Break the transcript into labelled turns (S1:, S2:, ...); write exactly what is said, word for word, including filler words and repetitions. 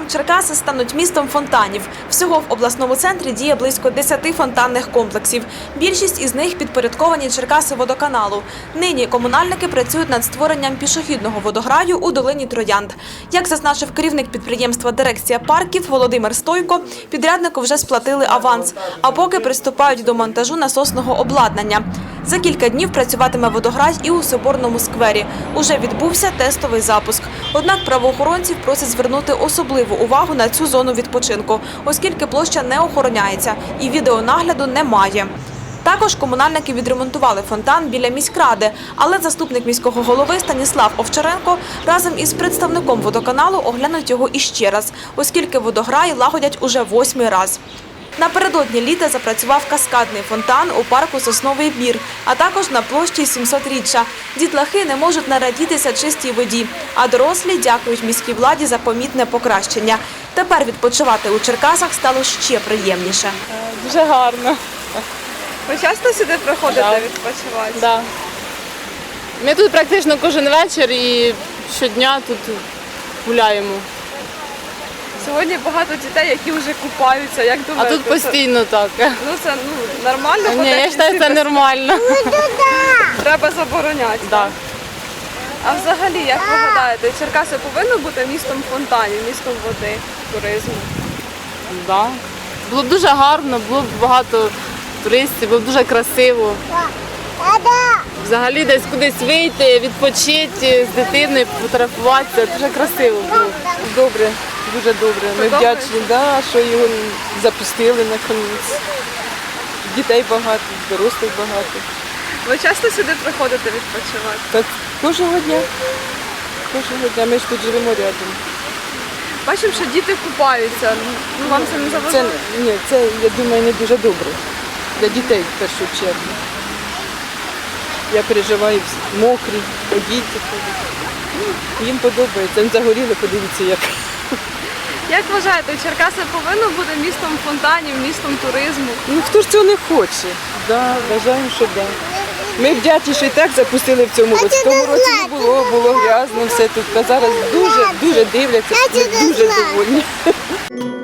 S1: Черкаси стануть містом фонтанів. Всього в обласному центрі діє близько десяти фонтанних комплексів. Більшість із них підпорядковані Черкасиводоканалу. Нині комунальники працюють над створенням пішохідного водограю у долині Троянд. Як зазначив керівник підприємства «Дирекція парків» Володимир Стойко, підряднику вже сплатили аванс, а поки приступають до монтажу насосного обладнання. За кілька днів працюватиме водограй і у Соборному сквері. Уже відбувся тестовий запуск. Однак правоохоронців просять звернути особливу увагу на цю зону відпочинку, оскільки площа не охороняється і відеонагляду немає. Також комунальники відремонтували фонтан біля міськради, але заступник міського голови Станіслав Овчаренко разом із представником водоканалу оглянуть його іще раз, оскільки водограй лагодять уже восьмий раз. Напередодні літа запрацював каскадний фонтан у парку «Сосновий Бір», а також на площі сімсотріччя. Дітлахи не можуть нарадітися чистій воді, а дорослі дякують міській владі за помітне покращення. Тепер відпочивати у Черкасах стало ще приємніше.
S2: Дуже гарно.
S3: Ви часто сюди приходите
S2: Да.
S3: відпочивати?
S2: Да. Ми тут практично кожен вечір і щодня тут гуляємо.
S3: Сьогодні багато дітей, які вже купаються. Як
S2: А
S3: думаєте?
S2: тут постійно так.
S3: Це, ну це ну, нормально?
S2: Ні,
S3: ходити
S2: я вважаю, це
S3: всі-
S2: нормально.
S3: Треба забороняти.
S2: Да.
S3: А взагалі, як ви гадаєте, Черкаси повинно бути містом фонтанів, містом води, туризму?
S2: Да. Було б дуже гарно, було б багато туристів, було б дуже красиво. Взагалі десь кудись вийти, відпочити з дитиною, фотографуватися. Дуже красиво було.
S4: Добре, дуже добре. Ми
S3: Добре?
S4: вдячні, да, що його запустили наконець. Дітей багато, дорослих багато.
S3: Ви часто сюди приходите відпочивати?
S4: Так кожного дня. Кожного дня. Ми ж тут живемо рядом.
S3: Бачимо, що діти купаються. Ну, вам це не
S4: Це,
S3: заважає?
S4: ні, це, я думаю, не дуже добре. Для дітей в першу чергу. Я переживаю, всі мокрі, діти ходять. Ну, їм подобається. Вони загоріли, подивіться як.
S3: Як вважаєте, Черкаси повинно бути містом фонтанів, містом туризму?
S4: Ну хто ж цього не хоче? Да, вважаємо, що да. Ми вдячні, що і так запустили в цьому році. В тому році не було, було грязно все тут. А зараз дуже, дуже дивляться, ми дуже довольні.